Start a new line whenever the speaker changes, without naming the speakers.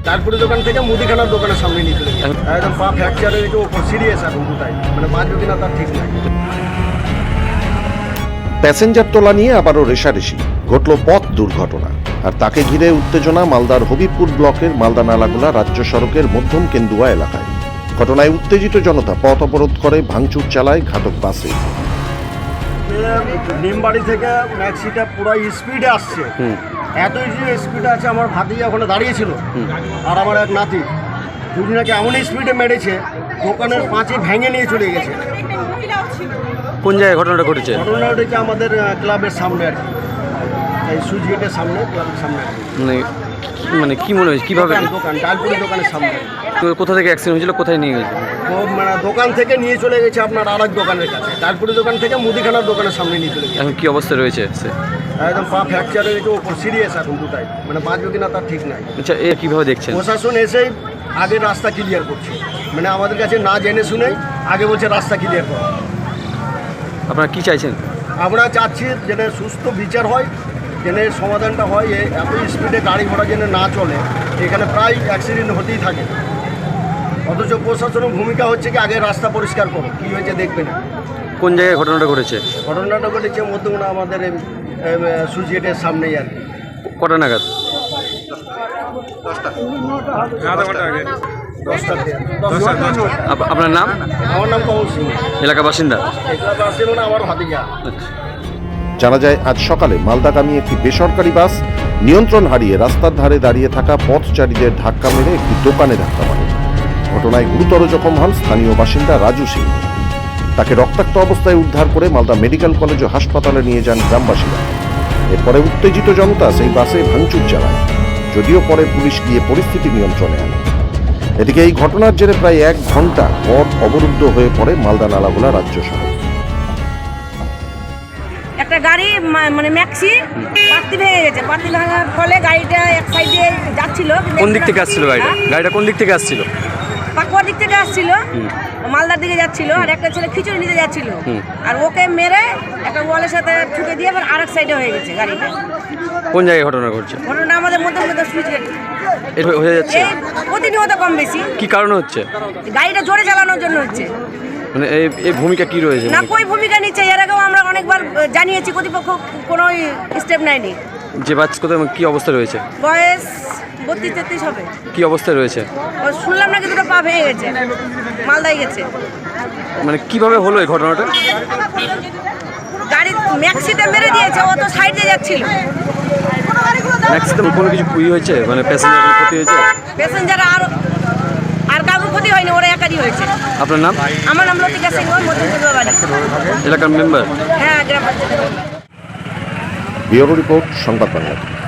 তারপরে দোকান থেকে মুদিখানার দোকানের সামনে নিয়ে চলে গেছে। একদম পা ফ্র্যাকচারের একটু ওপর সিরিয়াস এখন দুটাই, মানে বাঁচবে কিনা তার ঠিক নাই।
প্যাসেঞ্জার তোলা নিয়ে আবারও রেষারেষি, ঘটল পথ দুর্ঘটনা। আর তাকে ঘিরে উত্তেজনা মালদার হবিবপুর ব্লকের মালদা নালাগোলা রাজ্য সড়কের মধ্যম কেন্দুয়া এলাকায়। ঘটনায় উত্তেজিত জনতা পথ অবরোধ করে ভাঙচুর চালায় ঘাতক বাসে।
নিমবাড়ি থেকে ম্যাক্সিটা পুরো স্পিডে আসছে, এত স্পিডে আছে। আমার ভাতিজা ওখানে দাঁড়িয়েছিল আর আমার এক নাতি, দুজনাকে এমন স্পিডে মেরেছে দোকানের পাঁচে ভেঙে নিয়ে চলে গেছে।
কোন জায়গায় ঘটনাটা ঘটেছে?
ঘটনা ঘটেছে আমাদের ক্লাবের সামনে আর কি, এই সুইচ গেটের সামনে, ক্লাবের সামনে।
মানে কি মনে হয়েছে কিভাবে?
দোকান ডালপুরি দোকানের সামনে।
তো কোথা থেকে অ্যাক্সিডেন্ট হয়েছিল, কোথায় নিয়ে গেছে?
মানে দোকান থেকে নিয়ে চলে গেছে আপনার আর এক দোকানের কাছে, ডালপুরি দোকান থেকে মুদিখানার দোকানের সামনে নিয়ে চলে গেছে।
এখন কি অবস্থা রয়েছে সে?
একদম পা ফ্র্যাকচারের একটু ওপর সিরিয়াস এখন দুটাই, মানে বাঁচবে কিনা তার ঠিক নাই।
আচ্ছা, এ কিভাবে দেখছেন?
প্রশাসন এসেই আগে রাস্তা ক্লিয়ার করছে, মানে আমাদের কাছে না জেনে শুনেই আগে বলছে রাস্তা ক্লিয়ার করা।
আপনারা কি চাইছেন?
আমরা চাচ্ছি যেন সুস্থ বিচার হয়, যেন সমাধানটা হয়। এত স্পিডে গাড়ি ঘোড়া যেন না চলে, এখানে প্রায় অ্যাক্সিডেন্ট হতেই থাকে। অথচ প্রশাসনের ভূমিকা হচ্ছে কি আগে রাস্তা পরিষ্কার করো, কী হয়েছে দেখবে না।
কোন জায়গায় ঘটনাটা ঘটেছে?
ঘটনাটা ঘটেছে মধ্যমনা আমাদের সুইচ গেটের সামনেই আর কি।
কটা নাগাদ?
10টাতে।
আপনার নাম?
আমার নাম কমল সিং,
এলাকা বাসিন্দা।
এগুলো আসছিল না আমার ভাতিজা।
আচ্ছা।
জানা যায় আজ সকালে মালদাগামী একটি বেসরকারি বাস নিয়ন্ত্রণ হারিয়ে রাস্তার ধারে দাঁড়িয়ে থাকা পথচারীদের ধাক্কা মেরে একটি দোকানে ধাক্কা মারে। ঘটনায় গুরুতর জখম হন স্থানীয় বাসিন্দা রাজু সিং। তাকে রক্তাক্ত অবস্থায় উদ্ধার করে মালদা মেডিকেল কলেজ ও হাসপাতালে নিয়ে যান গ্রামবাসীরা। এরপরে উত্তেজিত জনতা সেই বাসে ভাঙচুর চালায়, যদিও পরে পুলিশ গিয়ে পরিস্থিতি নিয়ন্ত্রণে আনে। এদিকে এই ঘটনার জেরে প্রায় 1 ঘন্টা পথ অবরুদ্ধ হয়ে পড়ে মালদা নালাগোলা রাজ্য সড়ক।
একটা গাড়ি মানে ম্যাক্সি পাত্তি ভেঙে গেছে, পাত্তি ভাঙার ফলে গাড়িটা এক সাইডে যাচ্ছিল।
কোন দিক থেকে আসছিল গাড়িটা? গাড়িটা কোন দিক থেকে আসছিল?
পাকুয়ার দিক থেকে আসছিল, মালদার দিকে যাচ্ছিল, আর একটা ছেলে খিচুড়ি নিতে যাচ্ছিল। আর ওকে মেরে একটা ওয়ালের সাথে ঠুকে দিয়ে আবার আরেক সাইডে হয়ে গেছে গাড়িটা।
কোন জায়গায় ঘটনা ঘটছে?
ঘটনা আমাদের মধ্যে সুইচ গেট
এটা হয়ে যাচ্ছে
এই প্রতিনিয়ত কম বেশি।
কি কারণে হচ্ছে?
গাড়িটা জোরে চালানোর জন্য হচ্ছে।
মানে এই ভূমিকা কি রয়েছে?
না কই ভূমিকা নিচ্ছে, এর আগেও আমরা অনেকবার জানিয়েছি, কর্তৃপক্ষ কোনো স্টেপ নেয়নি।
যে বাচ্চা কোথায় কি অবস্থা রয়েছে?
বয়স 32-33 হবে।
কি অবস্থায় রয়েছে?
ও শুনলাম নাকি দুটো পা ভেঙে গেছে, মালদায় গেছে।
মানে কিভাবে হলো এই ঘটনাটা?
গাড়ি ম্যাক্সিতে মেরে দিয়েছে, ও তো সাইডে যাচ্ছিল।
ম্যাক্সিমাম কোনো কিছু হয়েছে, মানে প্যাসেঞ্জারের ক্ষতি হয়েছে?
প্যাসেঞ্জার আর কারোর ক্ষতি হয়নি, ওরা একারই হয়েছে।
আপনার নাম?
আমার নাম লতিকা সিংহ, মধ্যপুর বাড়ি।
এলাকার মেম্বার?
হ্যাঁ, গ্রাম পঞ্চায়েত।
ব্যুরো রিপোর্ট, সংবাদ বাংলা।